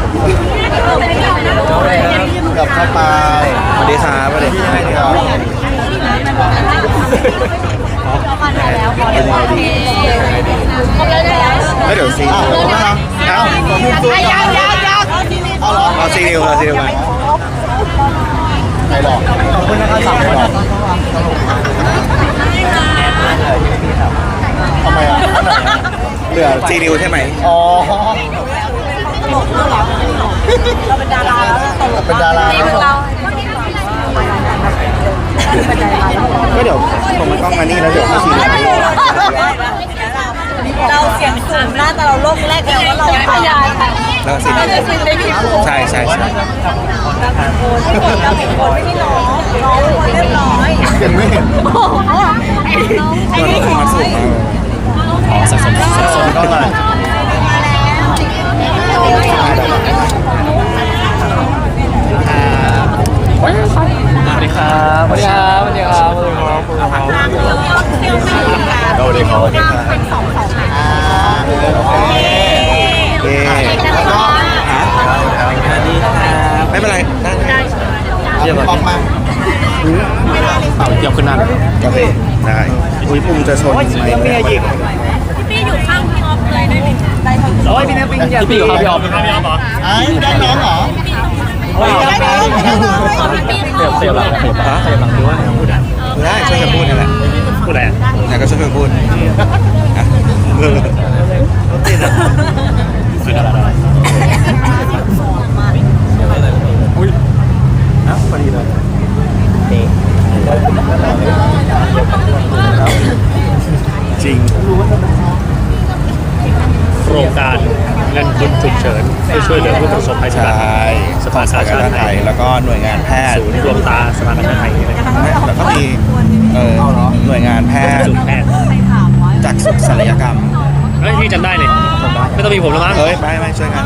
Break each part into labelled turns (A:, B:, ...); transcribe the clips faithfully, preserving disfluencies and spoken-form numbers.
A: กับเข้าไปสวัสดีครับสวัสดีครับเป็นไงดีไม่เดี๋ยวซีเอาเอาเอาเอาเอาซีนิวเอาซีนิวกันไม่หรอกขอบคุณนะครับสั่งไม่หรอกทำไมอ่ะเหลือซีนิวใช่ไหมอ๋อเราเป็นดาราแล้วเป็นดาราก็เดี๋ยวผมมันต้องมานี่แล้วเดี๋ยวมาซีนิว
B: เราเสียงสูงหน้าแต่เราโลกแรกแล้วว่าเราพยายค่ะ
A: แล้วซีนิวใช่ใช่ใช่
B: เราเป็นคนที่น้องน้องคนเรียบร้อย
A: เห็นไม่เห็นมันมันสูงอ๋อสักสมสักสมก็มาสวัสดีครับสวัสดีครับสวัสดีครับสวัสดีครับสวัสดีครับสวัสดีครับสวัสดีครับเป็นสองสองอ่าโอเคโอเคแล้วก็ไม่เป็นไรได้เดี๋ยวบอกมาเป่าเกี่ยวขึ้นนั่นโอเคได้อุ้ยปุ่มจะชนไหมพี่หยิบ
B: พี่อยู่ข้างพี่ออฟเลยได้ไหมได้ทั้ง
A: โอ้ยพี่เนี่ยพี่พี่อยู่ข้างพี่ออฟข้างพี่ออฟเหรอไอ้ได้น้องเหรอเสียบเสียบหลังเสียบหลังเสียบหลังคือว่าพูดได้ได้ช่วยกันพูดนี่แหละพูดอะไรไหนก็ช่วยกันพูดอ่ะเออติดอ่ะสุดยอดเลยอุ้ยอ่ะพอดีเลยจริง
C: โครงการเงินทุนฉุกเฉินเพื่อช่วยเหลือผู้ประสบภัยจากสภากาชาติไทย
A: แล้วก็หน่วยงานแพทย์
C: ศูนย์รวมตาสภากาชาติไทย
A: แล้วก็มีหน่วยงานแพทย์จากสุขศัลยกรรม
C: เฮ้ยพี่จำได้เลยไม่ต้องมีผมแล้วมั้ง
A: เฮ้ยไม่ไม่ช่วยกัน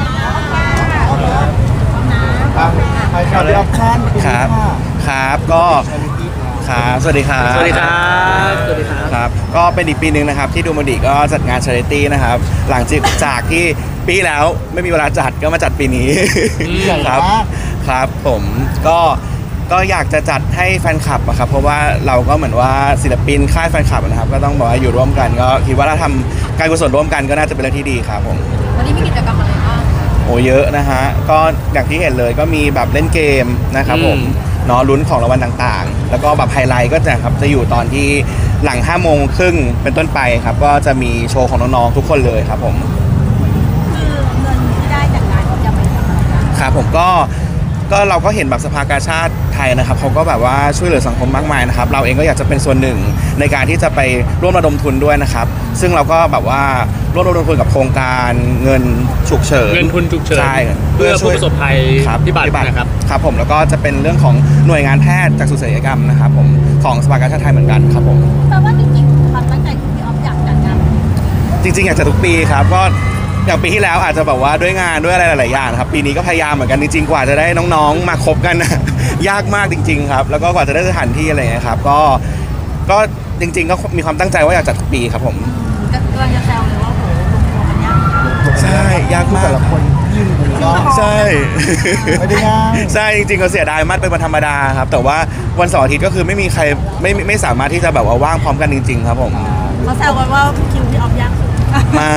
A: ครับครับก็ครับสวัสดีครับ
C: สวัสดีครับสวัสดีครับ
A: ครับก็เป็นอีกปีหนึ่งนะครับที่ดูมันดีก็จัดงาน charity นะครับหลังจากที่ปีแล้วไม่มีเวลาจัดก็มาจัดปีนี้ครับครับผมก็ก็อยากจะจัดให้แฟนคลับอะครับเพราะว่าเราก็เหมือนว่าศิลปินค่ายแฟนคลับนะครับก็ต้องบอกว่าอยู่ร่วมกันก็คิดว่าถ้าทำการกุศลร่วมกันก็น่าจะเป็นเรื่องที่ดีครับผม
B: วันนี้มีกิจกรรมอะไรบ้าง
A: โอ้เยอะนะฮะก็อย่างที่เห็นเลยก็มีแบบเล่นเกมนะครับผมเนาะลุ้นของรางวัลต่างๆแล้วก็แบบไฮไลท์ก็จะครับจะอยู่ตอนที่หลังห้าโมงครึ่งเป็นต้นไปครับก็จะมีโชว์ของน้องๆทุกคนเลยครับผม
B: คือเงินที่ได้จากงานจะไปทำอะไร
A: ครับผมก็ก็เราก็เห็นแบบสภากาชาติไทยนะครับเขาก็แบบว่าช่วยเหลือสังคมมากมายนะครับเราเองก็อยากจะเป็นส่วนหนึ่งในการที่จะไปร่วมระดมทุนด้วยนะครับซึ่งเราก็แบบว่าร่วมระดมทุนกับโครงการเงินฉุกเฉิน
C: เงินทุนฉุกเฉิน
A: ใช่
C: เพื่อผู้ประสบภัยพิบัตินะครับ
A: ครับผมแล้วก็จะเป็นเรื่องของหน่วยงานแพทย์จากสุขศัลยกรรมนะครับผมของสภากาชาติไทยเหมือนกันครับผม
B: แปลว่าจริงๆความตั้งใจของพี่ออฟอยากจัดงาน
A: จริงๆอยากจะทุกปีครับก็อย่างปีที่แล้วอาจจะแบบว่าด้วยงานด้วยอะไรหลายๆอย่างครับปีนี้ก็พยายามเหมือนกันจริงๆกว่าจะได้น้องๆมาคบกันยากมากจริงๆครับแล้วก็กว่าจะได้สถานที่อะไรเงี้ยครับก็ก็จริงๆก็มีความตั้งใจว่าอยากจัดทุกปีครับผม
B: กำลังจะแซวเลยว่าโหลงตัวมันยาก
A: ใช่ยากมากแต่ละคนยิ่งใช่ไม่ได้ง่ายใช่จริงๆก็เสียดายมากเป็นวันธรรมดาครับแต่ว่าวันเสาร์อาทิตย์ก็คือไม่มีใครไม่ไม่สามารถที่จะแบบว่าว่างพร้อมกันจริงๆครับผม
B: เขาแซวกันว่าคิวพี่ออฟยาก
A: ไม่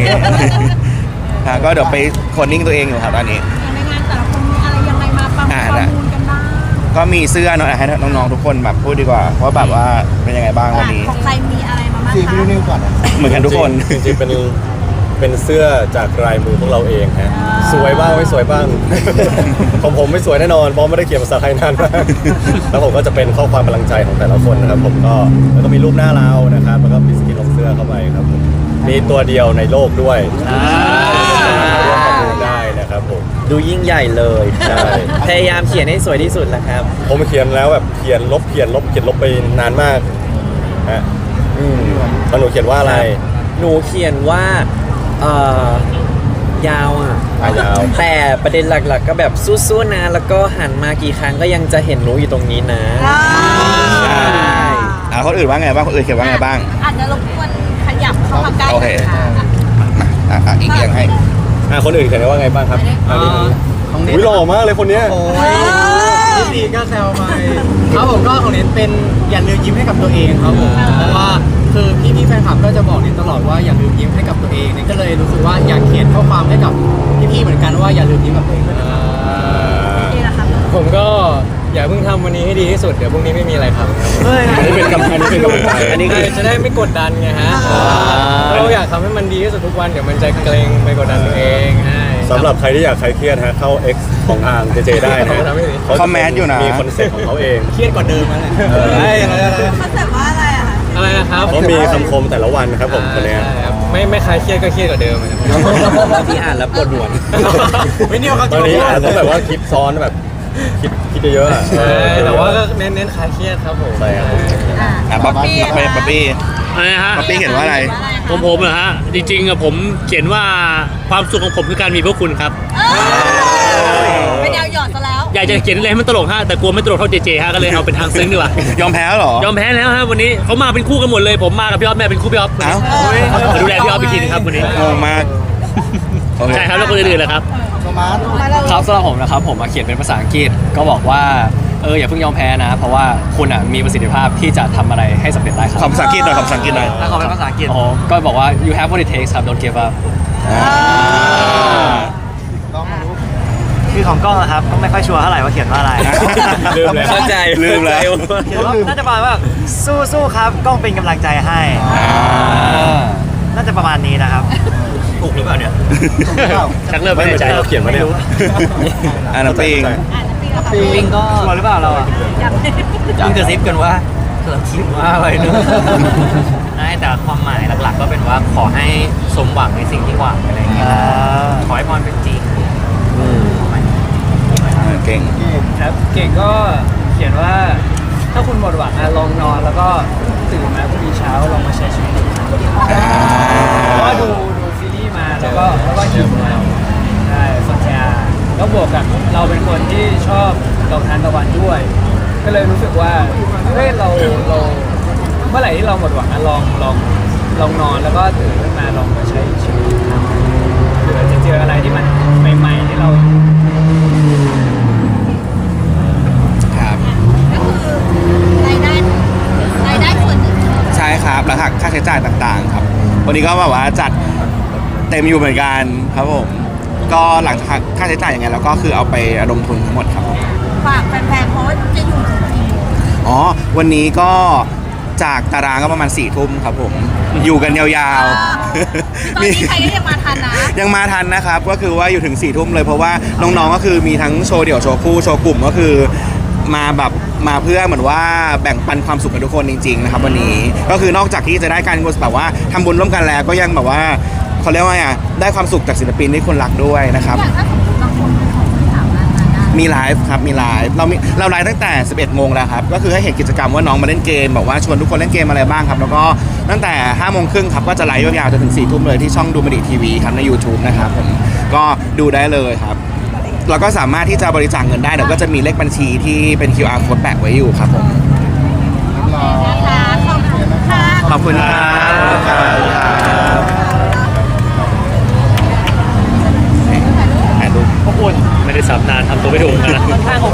A: ก็เดี๋ยวไปโคดดิ้งตัวเองอยู่ครับตอนนี้
B: ในงานแต่ละคนมีอะไรยังไงมาประมูลกันบ้าง
A: ก็มีเสื้อเนาะให้น้องๆทุกคนแบบพูดดีกว่าว่าแบบว่าเป็นยังไงบ้างวันนี้
B: ของใครมีอะไรมาบ้างคะ
A: เหมือนกันทุกคน
D: จริงๆเป็นเป็นเสื้อจากลายมือพวกเราเองฮะสวยบ้างไม่สวยบ้างของผมไม่สวยแน่นอนเพราะไม่ได้เขียนภาษาไทยนานมากแล้วผมก็จะเป็นข้อความกำลังใจของแต่ละคนนะครับผมก็แล้วก็มีรูปหน้าเรานะครับแล้วก็มีสกินลงเสื้อเข้าไปครับมีตัวเดียวในโลกด้วยร่วมประมูลได้นะครับผม
E: ดูยิ่งใหญ่เลยใช่พยายามเขียนให้สวยที่สุดแหละครับ
D: ผมเขียนแล้วแบบเขียนลบเขียนลบเขียนลบไปนานมากฮะอืมแล้วหนูเขียนว่าอะไร
E: หนูเขียนว่าเอ่อยาวอ่ะ
D: ยาว
E: แต่ประเด็นหลักๆก็แบบสู้ๆนะแล้วก็หันมากี่ครั้งก็ยังจะเห็นหนูอยู่ตรงนี้นะ
A: ใช่อ่าคนอื่นว่าไงบ้างคนอื่นเขียนว่าไงบ้าง
B: อาจจะรบกวนขยับเข้ามาใกล้
A: โอเคมาอ่ะอีกอย่างให้
D: อ่ะคนอื่นเขียนว่าไงบ้างครับอันนี้
F: ของเน็ต
D: อุ้ยหล่อมากเลยคนเนี้ย
F: โอ้ยพี่ซีก็แซวไปครับผมก็ของเน็ตเป็นอย่าลืมยิ้มให้กับตัวเองครับผมเพราะว่าคือพี่พี่ๆแฟนคลับก็จะบอกเน็ตตลอดว่าอย่าลืมยิ้มให้กับตัวเองเน็ตก็เลยรู้สึกว่าอยากเขียนข้อความให้กับพี่พี่ๆเหมือนกันว่าอย่าลืมยิ้มกับตัวเองด้วยนะครับ
B: นี่แหละครับ
F: ผมก็อย่าเพิ่งทำวันนี้ให้ดีที่สุดเดี๋ยวพรุ่งนี้ไม่มีอะไรทำครับ
D: อันนี้เป็นกำลังอันนี้เป็นกำลังใจ
E: อันนี้คือ
F: จะได้ไม่กดดันไงฮะเราอยากทำให้มันดีที่สุดทุกวันเดี๋ยวมันจะเกรงไปกดดันตัวเองใช่
D: สำหรับใครที่อยากคลายเครียดฮะเข้า X ของอ่างเจเจได้นะ
A: เขาคอมเมนต์อยู่นะ
D: มีคอนเซ็ปต์ของเขาเอง
F: เครียดกว่าเดิมแล้วแหละ
D: เออ
F: ใช่อะไรอะไร
B: คอนเซ็ปต์ว่าอะไรอะคะ
F: อะไรนะครับ
D: เขามีคำคมแต่ละวันนะครับผมคนเนี้ย
F: ใช่ครับไม่ไม่คลายเครียดก็เครียดกว่าเดิมนะครับ
E: บางทีอ่านแล้วปวดหัว
F: ไม่เนี่ยเขา
D: ตอนนี้อาจจะแบบว่าคิดซ้อนแบบคิดคิดเยอะๆอะ
F: ใช่แต่ว่าก็เน้นเน้นคลายเครียดครับผม
D: ใช่ครับ
B: อ่ะ
A: อ่ะป๊อปปี้ป๊อปปี้ป๊อปปี้
C: อะไรนะฮะ
A: ป๊อปปี้เขียนว่าอะไร
C: ผมผมเหรอฮะจริงๆอะผมเขียนว่าความสุขของผมคือการมีพวกคุณครับ
B: เอ้ยเป็นแนวหยอดซะแล้ว
C: อยากจะเขียนอะไรให้มันตลกฮะแต่กลัวไม่ตลกเท่าเจเจฮะก็เลยเอาเป็นทางซึ้งดีกว่าย
A: อมแพ้แล้วเหรอ
C: ยอมแพ้แล้วฮะวันนี้เขามาเป็นคู่กันหมดเลย ผมมากับพี่ออฟแม่เป็นคู่พี่ออฟ
A: เอ้า
C: มาดูแลพี่ออฟอีกทีนึงครับวันนี้
A: งงมากโอเค
C: ใช่ครับแล้วคนอื่นๆเลยครับ
E: ครับสำหรับผมนะครับผมมาเขียนเป็นภาษาอังกฤษก็บอกว่าเอออย่าเพิ่งยอมแพ้นะ เพราะว่าคุณอ่ะมีประสิทธิภาพที่จะทำอะไรให้สำเร็จได้ครับ
A: ขอภาษาอังกฤษหน่อยขอภาษาอังกฤษหน่อย
E: ถ้าเขาเป็นภาษาอังกฤษอ๋อก็บอกว่า you have what it takes ครับ don't give up
G: คือของกล้องนะครับก็ไม่ค่อยชัวร์เท่าไหร่ว่าเขียนว่าอะไร
D: ลืมแล้ว
E: เข้าใจ
A: ลืมแล้ว
G: เขียนว่าน่าจะประมาณว่าสู้สู้ๆครับกล้องเป็นกำลังใจให้น่าจะประมาณนี้นะครับ
D: ถูกหรือเปล่าเนี่ย
C: ชักเริ่ม
D: ไม่
C: ไม่
D: เหมื
C: แน่
D: อน
C: ใจ
D: ที่เราเขียนมาเนี่ย
A: อ่ะน้ำปิง
B: อ่านน้ำปิงแล้วค่ะ
G: ปิงก็ชัวร์หรือเปล่าเราอ่ะ
B: อยาก
G: ยิ่งกระซิบกันว่าเราคิดว่าอะไรเนอะใช่แต่ความหมายหลักๆก็เป็นว่าขอให้สมหวังในสิ่งที่หวังอะไรอย่างเงี้ยขอให้พรเป็นจริง
A: อ่ะเก่ง
F: ครับเก่งก็เขียนว่าถ้าคุณหมดหวังอะลองนอนแล้วก็ตื่นมาพรุ่งนี้เช้าลองมาใช้ชีวิตอีกครั้งเพราะว่าดูดูซีรีส์มาแล้วก็แล้วก็หิวมาใช่สนใจแล้วบวกกับเราเป็นคนที่ชอบดอกทานตะวันด้วย ก็เลยรู้สึกว่าเฮ้ยเราเราเมื่อไหร่ที่เราหมดหวังอะลองลองลองนอนแล้วก็ตื่นขึ้นมาลองมาใช้ชีวิตอีกครั้งเผื่อจะเจออะไรที่มันใหม่ๆที่เรา
A: ครับ
B: ก็คือรายได้รายได้ส่วนหนึ่ง
A: ใช่ครับแล้วหักค่าใช้จ่ายต่างๆครับ วันนี้ก็แบบว่าจัดเต็มอยู่เหมือนกันครับผมก็หลังจากหักค่าใช้จ่ายยังไงแล้วก็คือเอาไประดมทุนทั้งหมดครับผม
B: ฝากแฟนๆเพราะว่าจะอยู่ถึงกี่โมง
A: อ๋อวันนี้ก็จากตารางก็ประมาณสี่ทุ่มครับผมอยู่กันยาวๆ
B: ตอนนี้ใครก็ยังมาทันนะ
A: ยังมาทันนะครับก็คือว่าอยู่ถึงสี่ทุ่มเลยเพราะว่าน้องๆก็คือมีทั้งโชว์เดี่ยวโชว์คู่โชว์กลุ่มก็คือมาแบบมาเพื่อเหมือนว่าแบ่งปันความสุขกับทุกคนจริงๆนะครับวันนี้ก็คือนอกจากที่จะได้การแบบว่าทำบุญร่วมกันแล้วก็ยังแบบว่าเขาเรียกว่าไงอ่ะได้ความสุขจากศิลปินที่คนรักด้วยนะครับ
B: อย่างถ้าสมมติบางคนเขาไม่สามารถมาได้
A: มีไลฟ์ครับมีไลฟ์เรามีเราไลฟ์ตั้งแต่สิบเอ็ดโมงแล้วครับก็คือให้เห็นกิจกรรมว่าน้องมาเล่นเกมบอกว่าชวนทุกคนเล่นเกมอะไรบ้างครับแล้วก็ตั้งแต่ห้าโมงครึ่งครับก็จะไลฟ์ยาวๆจนถึงสี่ทุ่มเลยที่ช่องดูมันดีทีวีครับใน YouTube นะครับผมก็ดูได้เลยครับเราก็สามารถที่จะบริจาคเงินได้เดี๋ยวก็จะมีเลขบัญชีที่เป็น คิว อาร์ code แปะไว้อยู่ครับผม
B: นะคะขอบคุณค่ะ
A: ขอบคุณครับขอบคุณครับถ่ายรูป
C: ไม่ได้สับนานทำตัวไม่ถูกนะ